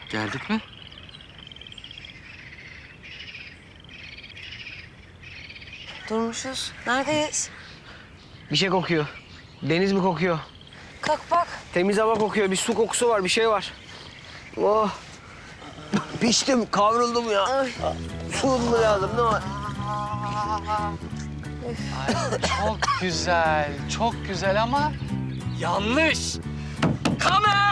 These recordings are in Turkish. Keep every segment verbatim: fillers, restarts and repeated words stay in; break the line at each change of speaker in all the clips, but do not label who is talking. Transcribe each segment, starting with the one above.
Geldik mi?
Durmuşuz. Neredeyiz?
Bir şey kokuyor. Deniz mi kokuyor?
Kalk bak.
Temiz hava kokuyor. Bir su kokusu var, bir şey var. Oh. Piştim, kavruldum ya.
Ay.
Su mu lazım, ne var?
Çok güzel, çok güzel ama yanlış. Kamer!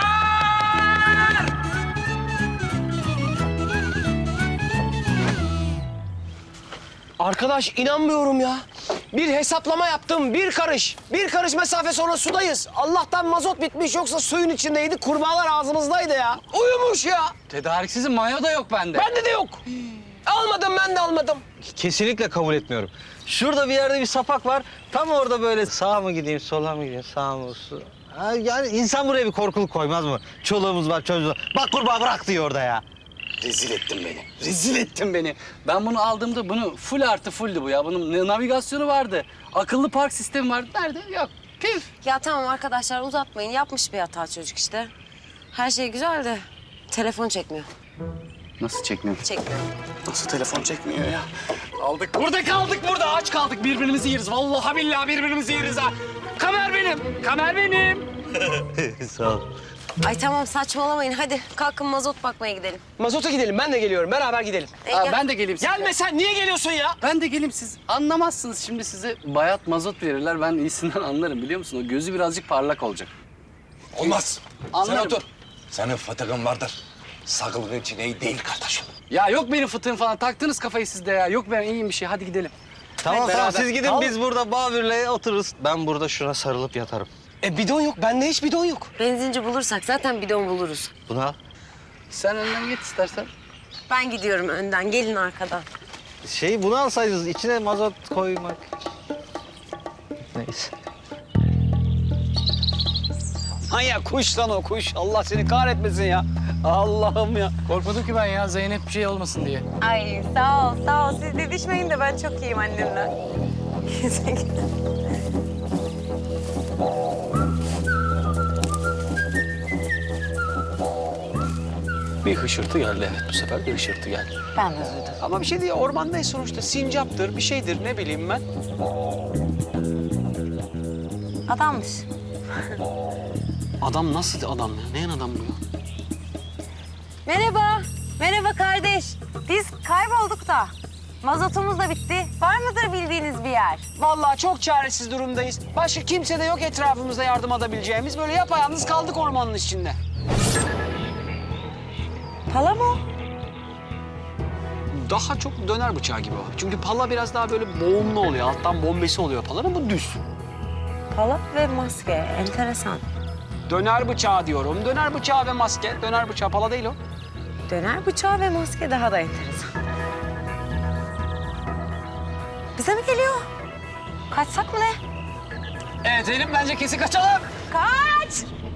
Arkadaş inanmıyorum ya. Bir hesaplama yaptım, bir karış. Bir karış mesafe sonra sudayız. Allah'tan mazot bitmiş, yoksa suyun içindeydi. Kurbağalar ağzımızdaydı ya. Uyumuş ya.
Tedariksizin mayo da yok bende.
Bende de yok. Almadım, ben de almadım.
Kesinlikle kabul etmiyorum. Şurada bir yerde bir sapak var. Tam orada böyle sağa mı gideyim, sola mı gideyim, sağa mı, sola... Ha, yani insan buraya bir korkuluk koymaz mı? Çoluğumuz var, çocuğumuz var. Bak kurbağa bırak diyor orada ya.
Rezil ettin beni. Rezil ettin beni. Ben bunu aldığımda bunu full artı fulldü bu ya. Bunun navigasyonu vardı. Akıllı park sistemi vardı. Nerede? Yok. Pif.
Ya tamam arkadaşlar uzatmayın. Yapmış bir hata çocuk işte. Her şey güzel de telefon çekmiyor.
Nasıl çekmiyor?
Çekmiyor.
Nasıl telefon çekmiyor ya? Kaldık burada, kaldık burada. Aç kaldık. Birbirimizi yeriz. Vallahi billahi birbirimizi yeriz ha. Kamer benim. Kamer benim.
Sağ ol.
Ay tamam saçmalamayın. Hadi kalkın mazot bakmaya gidelim.
Mazota gidelim, ben de geliyorum. Beraber gidelim.
E,
Aa,
gel.
ben de geleyim size.
Gelme sen, niye geliyorsun ya?
Ben de geleyim, siz anlamazsınız. Şimdi size bayat mazot verirler. Ben iyisinden anlarım, biliyor musun? O gözü birazcık parlak olacak.
Olmaz.
Anlarım.
Sen otur. Senin fıtığın vardır. Sağlığın için iyi değil kardeşim.
Ya yok benim fıtığım falan. Taktınız kafayı siz de ya. Yok ben iyiyim bir şey. Hadi gidelim.
Tamam
Hadi
tamam
beraber.
siz gidin
Al.
biz burada Babür'le otururuz. Ben burada şuna sarılıp yatarım.
E bidon yok, bende hiç bidon yok.
Benzinci bulursak zaten bidon buluruz.
Bunu al.
Sen önden git istersen.
Ben gidiyorum önden. Gelin arkadan.
Şey bunu alsaydınız içine mazot koymak. Neyse.
Manyak kuş lan o kuş. Allah seni kahretmesin ya. Allah'ım ya.
Korkmadım ki ben ya. Zeynep bir şey olmasın diye.
Ay sağ ol sağ ol. Siz didişmeyin de ben çok iyiyim annemle.
Bir hışırtı geldi, evet. Bu sefer bir hışırtı geldi.
Ben de duydum.
Ama bir şey değil, ormandayız sonuçta. Sincaptır, bir şeydir, ne bileyim ben.
Adammış.
Adam nasıl adam ya? Neyin adam bu ya?
Merhaba. Merhaba kardeş. Biz kaybolduk da. Mazotumuz da bitti. Var mıdır bildiğiniz bir yer?
Vallahi çok çaresiz durumdayız. Başka kimse de yok etrafımızda yardım edebileceğimiz. Böyle yapayalnız kaldık ormanın içinde.
Pala mı?
Daha çok döner bıçağı gibi o. Çünkü pala biraz daha böyle boğumlu oluyor. Alttan bombesi oluyor palanın, bu düz.
Pala ve maske. Enteresan.
Döner bıçağı diyorum. Döner bıçağı ve maske. Döner bıçağı pala değil o.
Döner bıçağı ve maske daha da enteresan. Bize mi geliyor? Kaçsak mı ne?
Evet Zeynep, bence kesin kaçalım.
Kaç!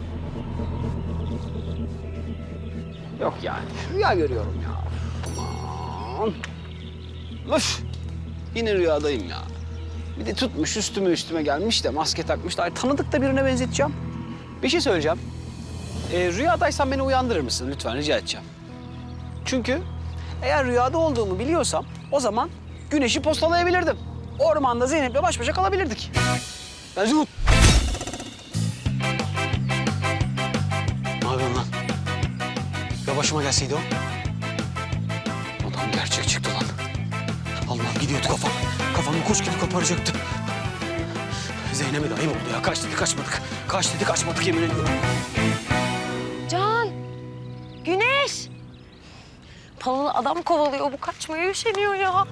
Yok yani. Rüya görüyorum ya. Aman. Öf. Yine rüyadayım ya. Bir de tutmuş üstüme üstüme gelmiş de maske takmış da. Ay, tanıdık da birine benzeteceğim. Bir şey söyleyeceğim. Ee, rüyadaysan beni uyandırır mısın lütfen, rica edeceğim. Çünkü eğer rüyada olduğumu biliyorsam o zaman güneşi postalayabilirdim. Ormanda Zeynep'le baş başa kalabilirdik. Ben Zumut.
Ne yapıyorsun lan? Ya başıma gelseydi o? Adam gerçek çıktı lan. Allah'ım gidiyordu kafam. Kafamı kuş gibi koparacaktı. Zeynep'e de ayıp oldu ya. Kaç dedi kaçmadık. Kaç dedi kaçmadık yemin ediyorum.
Can! Güneş! Palalı adam kovalıyor. Bu kaçmaya üşeniyor ya.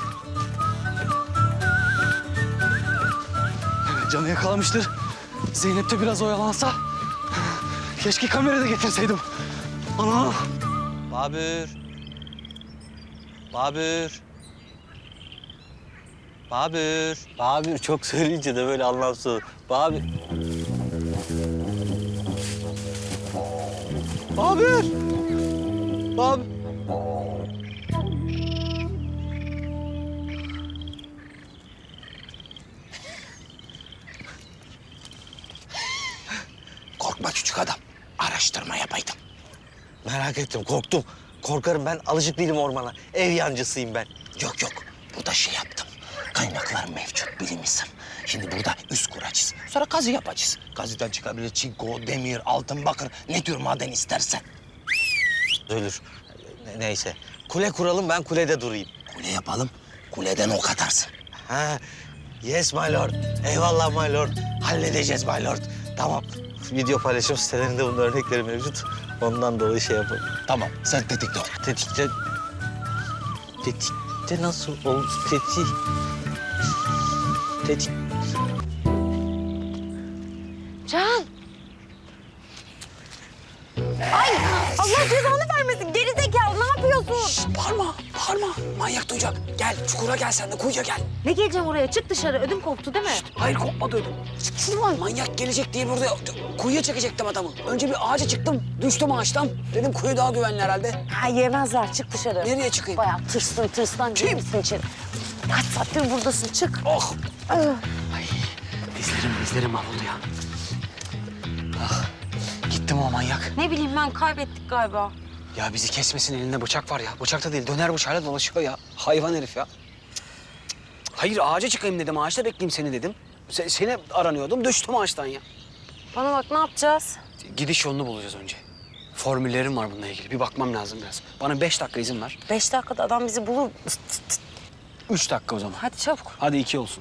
Canı yakalamıştır. Zeynep de biraz oyalansa. Keşke kamerayı da getirseydim. Ana!
Babür. Babür. Babür. Babür çok söyleyince de böyle anlamsız olur. Babür. Babür. Babür.
Korkma küçük adam. Araştırma yapaydın.
Merak ettim, korktum. Korkarım ben, alışık değilim ormana. Ev yancısıyım ben.
Yok yok. Burada şey yaptım. Kaynaklar mevcut bilim insanı. Şimdi burada üst kuracağız. Sonra kazı yapacağız. Kazıdan çıkabilir çinko, demir, altın, bakır. Ne tür maden istersen.
Ölür. Ne- Neyse. Kule kuralım, ben kulede durayım.
Kule yapalım. Kuleden ok atarsın.
Ha, yes my lord. Eyvallah my lord. Halledeceğiz my lord. Tamam. Video paylaşım sitelerinde bunun örnekleri mevcut. Ondan dolayı şey yapalım.
Tamam. Sen tetikte ol.
Tetikte... Tetikte nasıl olur? Tetik... Tetik...
Can. Ay Allah cezanı vermesin. Gerizekalı ne yapıyorsun?
Bağırma, bağırma. Manyak duyacak. Gel, çukura gel sen de, kuyuya gel.
Ne geleceğim oraya? Çık dışarı. Ödüm koptu değil mi?
Hayır, kopmadı ödüm. Şuradan manyak gelecek diye burada kuyuya çekecektim adamı. Önce bir ağaca çıktım, düştüm ağaçtan. Dedim kuyu daha güvenli herhalde.
Ha yemezler. Çık dışarı.
Nereye çıkayım?
Bayağı tırstın tırstın. Girir misin içeri? Kaç saattir buradasın? Çık.
Oh!
Ah.
Ay, dizlerim, dizlerim mahvoldu ya. Ah, gitti mi o manyak?
Ne bileyim ben kaybettik galiba.
Ya bizi kesmesin, elinde bıçak var ya. Bıçak da değil, döner bıçağıyla dolaşıyor ya. Hayvan herif ya. Hayır, ağaca çıkayım dedim, ağaçta bekleyeyim seni dedim. Se- seni aranıyordum, düştüm ağaçtan ya.
Bana bak ne yapacağız?
Gidiş yolunu bulacağız önce. Formüllerim var bununla ilgili. Bir bakmam lazım biraz. Bana beş dakika izin ver.
Beş dakikada adam bizi bulur. Tıt tıt tıt.
Üç dakika o zaman.
Hadi çabuk.
Hadi iki olsun.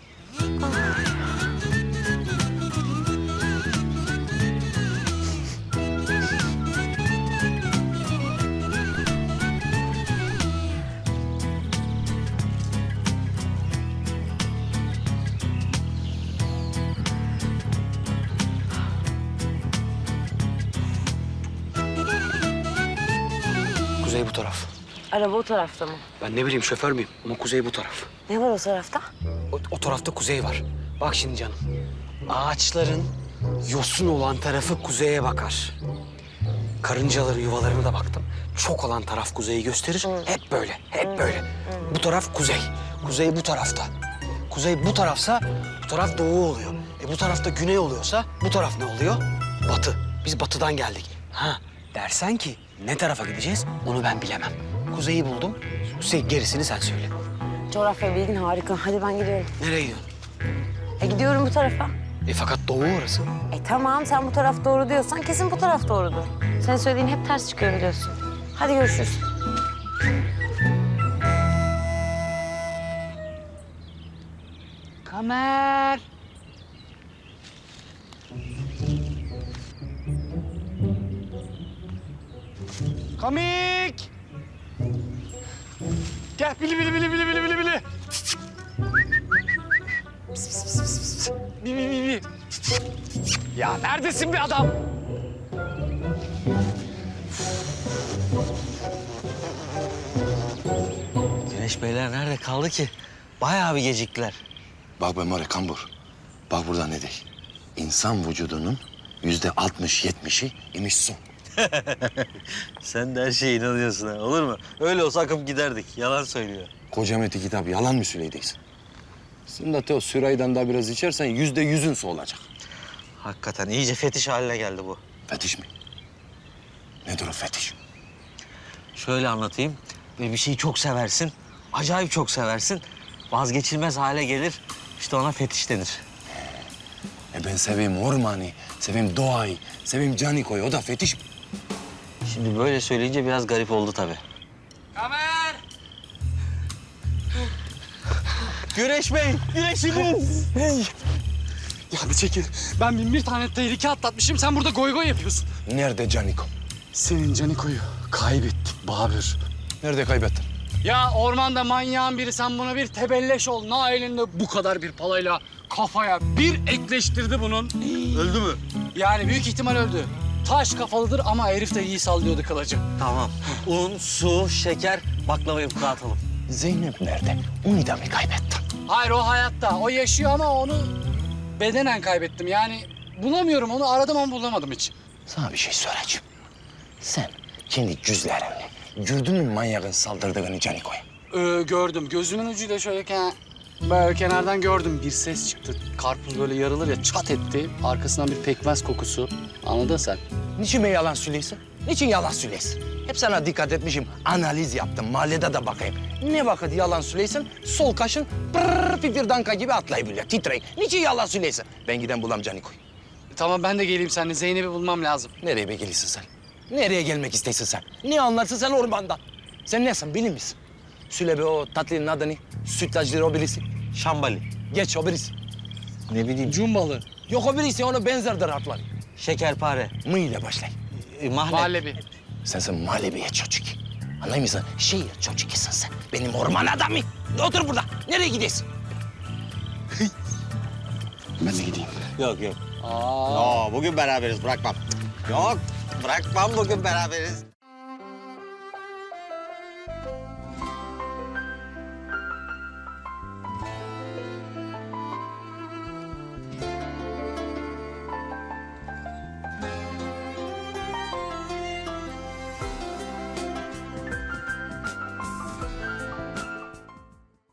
Kuzey bu taraf.
Araba o tarafta mı?
Ben ne bileyim şoför müyüm ama kuzey bu taraf.
Ne var o tarafta?
O, o tarafta kuzey var. Bak şimdi canım. Ağaçların yosun olan tarafı kuzeye bakar. Karıncaların yuvalarına da baktım. Çok olan taraf kuzeyi gösterir. Hep böyle, hep böyle. Bu taraf kuzey. Kuzey bu tarafta. Kuzey bu tarafsa bu taraf doğu oluyor. E bu tarafta güney oluyorsa bu taraf ne oluyor? Batı. Biz batıdan geldik. Ha dersen ki ne tarafa gideceğiz onu ben bilemem. Kuzeyi buldum. Kuzey gerisini sen söyle.
Coğrafya bilgin harika. Hadi ben gidiyorum.
Nereye gidiyorsun?
E gidiyorum bu tarafa.
E fakat doğu orası.
E tamam sen bu taraf doğru diyorsan kesin bu taraf doğrudur. Senin söylediğin hep ters çıkıyor biliyorsun. Hadi görüşürüz.
Kamer. Komik. Gel bili bili bili bili bili bili bili. Pis, pis, pis, pis, pis. Bili bili bili. Ya neredesin be adam?
Güneş Beyler nerede kaldı ki? Bayağı bir geciktiler.
Bak be More Kambur. Bak burada ne değil. İnsan vücudunun yüzde altmış yetmişi imiş su.
Sen de her şeye inanıyorsun ha, olur mu? Öyle olsa akıp giderdik. Yalan söylüyor.
Koca meti kitap yalan mı söyleyeceksin? Sen de o süraydan daha biraz içersen yüzde yüzün su olacak.
Hakikaten iyice fetiş haline geldi bu.
Fetiş mi? Nedir o fetiş?
Şöyle anlatayım. Ve bir şeyi çok seversin. Acayip çok seversin. Vazgeçilmez hale gelir. İşte ona fetiş denir.
E ben seveyim ormanı, seveyim doğayı, seveyim canikoyu. O da fetiş mi?
Şimdi böyle söyleyince biraz garip oldu tabii.
Kamer.
Güneş Bey, güneşiniz.
Ya bir çekil. Ben bin bir tane tehlike atlatmışım. Sen burada goy goy yapıyorsun.
Nerede caniko?
Senin Caniko'yu kaybettik Babür.
Nerede kaybettin?
Ya ormanda manyağın biri sen buna bir tebelleş ol. Na elinde bu kadar bir palayla kafaya bir ekleştirdi bunun.
Öldü mü?
Yani büyük ihtimal öldü. Taş kafalıdır ama herif de iyi sallıyordu kılıcı.
Tamam. Un, su, şeker, baklava yufka atalım.
Zeynep nerede? Onu da mı kaybettin?
Hayır o hayatta. O yaşıyor ama onu bedenen kaybettim. Yani bulamıyorum onu. Aradım ama bulamadım hiç.
Sana bir şey soracağım. Sen kendi cüzlerinle gördün mü manyağın saldırdığını canikoya?
Ee, gördüm. Gözümün ucuyla şöyle ken böyle kenardan gördüm. Bir ses çıktı. Karpuz böyle yarılır ya çat etti. Arkasından bir pekmez kokusu. Anladın sen?
Niçin be yalan söylüyorsun? Niçin yalan söylüyorsun?
Hep sana dikkat etmişim. Analiz yaptım. Mahallede de bakayım. Ne vakit yalan söyleysin, sol kaşın pırrrr pipirdanka gibi atlayabiliyor, titrey. Niçin yalan söylesin? Ben giden bulam Caniko'yu.
Tamam ben de geleyim seninle. Zeynep'i bulmam lazım.
Nereye be geliyorsun sen? Nereye gelmek isteyorsun sen? Ne anlarsın sen ormandan? Sen nesin, bilir misin? Söyle be o tatlının adı ne? Sütlacıları o birisi.
Şambali.
Geç o birisi.
Ne bileyim.
Cumbalı.
Yok o birisi, ona benzerdir harfler.
Şekerpare.
Mı ile başlay.
E, mahalle.
Muhallebi.
Sen sen muhallebiye çocuk. Anlıyor musun? Şehir çocuğusun sen. Benim orman adamı. Otur burada. Nereye gidiyorsun?
Ben de gideyim.
Yok yok.
Aa.
Aa, bugün beraberiz bırakmam. Yok bırakmam bugün beraberiz.